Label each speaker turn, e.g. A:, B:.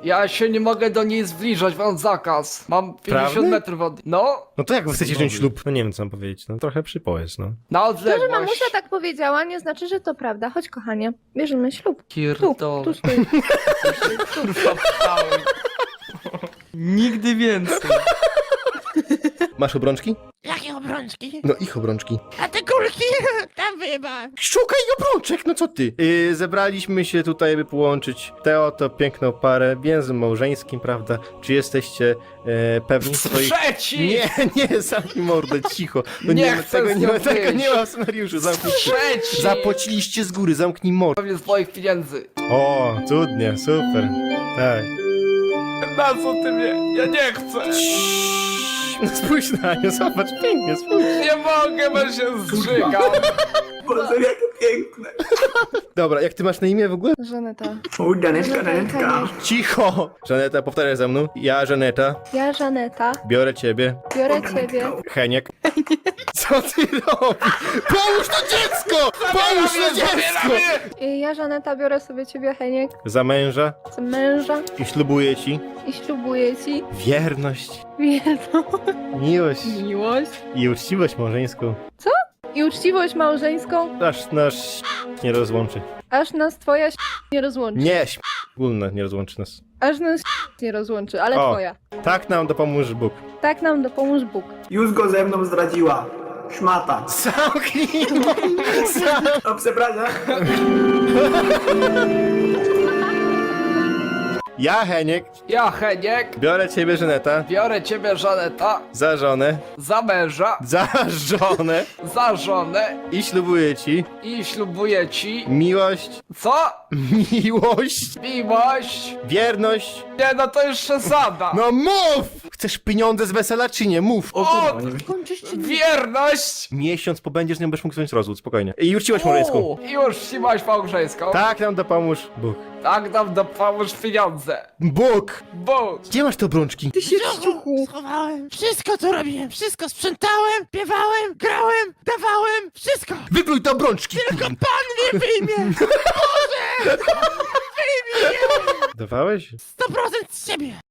A: Ja się nie mogę do niej zbliżać, mam zakaz. Mam 50
B: Prawdy?
A: metrów od... No,
B: No to jak wy chcecie wziąć ślub? No nie wiem, co mam powiedzieć, no trochę przypowiedz, no.
A: na
C: To, że
A: odległość.
C: mamusia tak powiedziała, nie znaczy, że to prawda. Chodź, kochanie, bierzemy ślub. Tu
A: Pierdolę.
C: stój.
A: Kurwa, pchałem. Nigdy więcej.
B: Masz obrączki?
D: Jakie obrączki?
B: No ich obrączki.
D: A te kulki? Tam wyjeba.
B: Szukaj obrączek, no co ty? Zebraliśmy się tutaj, by połączyć tę oto piękną parę więzem małżeńskim, prawda? Czy jesteście pewni swoich...
A: Trzeci!
B: Nie, zamknij mordę, cicho. No
A: Nie
B: ma
A: chcę
B: tego,
A: z
B: nie
A: nią
B: ma tego,
A: wyjść.
B: nie ma w scenariuszu, zamknij się.
A: Trzeci!
B: Zapłaciliście z góry, zamknij mordę.
A: Pewnie z moich pieniędzy.
B: O, cudnie, super. Tak.
A: Na co ty mnie? Ja nie chcę.
B: No spójrz na nią, zobacz, pięknie, spójrz.
A: Nie mogę, bo się zżygam.
E: Boże, jakie piękne.
B: Dobra, jak ty masz na imię w ogóle?
C: Żaneta.
E: Danetka, Danetka.
B: Cicho! Żaneta, powtarzaj za mną. Ja, Żaneta,
C: Ja, Żaneta,
B: biorę ciebie.
C: biorę ciebie.
B: Heniek. Co ty robisz? Pomóż to dziecko! Pomóż to dziecko!
C: Ja, Żaneta, biorę sobie ciebie, Heniek,
B: Za męża
C: za męża
B: i ślubuję ci
C: i ślubuję ci
B: wierność,
C: wierną
B: miłość
C: miłość
B: i uczciwość małżeńską.
C: i uczciwość małżeńską,
B: Aż nasz nie rozłączy.
C: aż nas twoja nie rozłączy.
B: Nie, wspólne nie rozłączy nas.
C: Aż nas nie rozłączy, ale
B: O.
C: twoja.
B: Tak nam dopomóż Bóg.
C: Tak nam dopomóż Bóg.
E: Już go ze mną zdradziła. Szmata.
B: Zamknij!
E: O, przepraszam.
B: Ja, Heniek,
A: Ja, Heniek,
B: biorę ciebie, Żaneta,
A: biorę ciebie, Żaneta,
B: za żonę,
A: za męża,
B: za żonę
A: za żonę
B: i ślubuję ci
A: i ślubuję ci...
B: miłość,
A: Co?
B: miłość,
A: Miłość?
B: wierność.
A: Nie, no to już przesada.
B: No mów! Chcesz pieniądze z wesela czy nie? Mów!
A: O, wierność!
B: Miesiąc pobędziesz, nie będziesz mógł zrobić rozwód, spokojnie. I uczciwość małżeńską.
A: U, już wsimaś małżeńską.
B: Tak nam dopomóż Bóg.
A: Tak nam dopomóż pieniądze.
B: Bóg!
A: Bóg.
B: Gdzie masz te obrączki?
D: Schowałem. Wszystko to robiłem. Wszystko sprzątałem, śpiewałem, grałem, dawałem. Wszystko.
B: Wypluj te obrączki!
D: Tylko pan mnie wyjmie.
B: Dawałeś?
D: 100% z siebie.